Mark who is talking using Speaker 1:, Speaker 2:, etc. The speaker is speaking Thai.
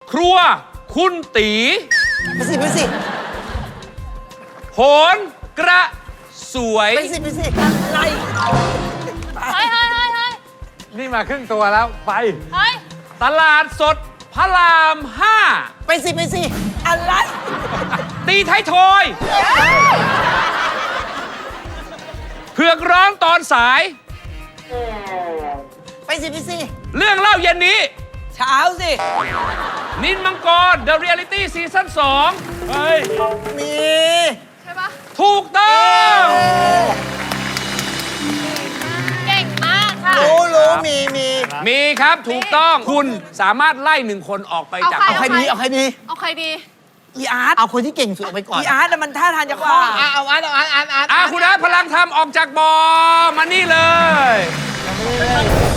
Speaker 1: ครัวคุณตี
Speaker 2: ไปสิ
Speaker 1: โหนกระสวย
Speaker 2: ไปสิอะไร
Speaker 3: เฮ้ย
Speaker 4: นี่มาครึ่งตัวแล้วไป
Speaker 3: เฮ้ย
Speaker 1: ตลาดสดพระรามห้า
Speaker 2: ไปสิอะไร
Speaker 1: ตีไทยทอยเผือกร้องตอนสาย
Speaker 2: ไปสิ
Speaker 1: เรื่องเล่าเย็นนี้
Speaker 2: เช้าสิ
Speaker 1: นินมังกร The Reality Season 2 เฮ้ย
Speaker 2: มี
Speaker 3: ใช่ปะ
Speaker 1: ถูกต้อง
Speaker 3: เก่งมากค่ะ
Speaker 2: รู้มี
Speaker 1: มีครับถูกต้องคุณสามารถไล่หนึ่งคนออกไปจาก
Speaker 2: เอาใครดี
Speaker 3: เอาใครดี
Speaker 2: อีอาร์ตเอาคนที่เก่งสุดออกไปก่อน
Speaker 5: อีอาร์ตน่ะมันท่าทางจะคล่อง
Speaker 2: เอาอาร์ต
Speaker 1: คุณอาร์ตพลังธรรมออกจากบอมานี่เลย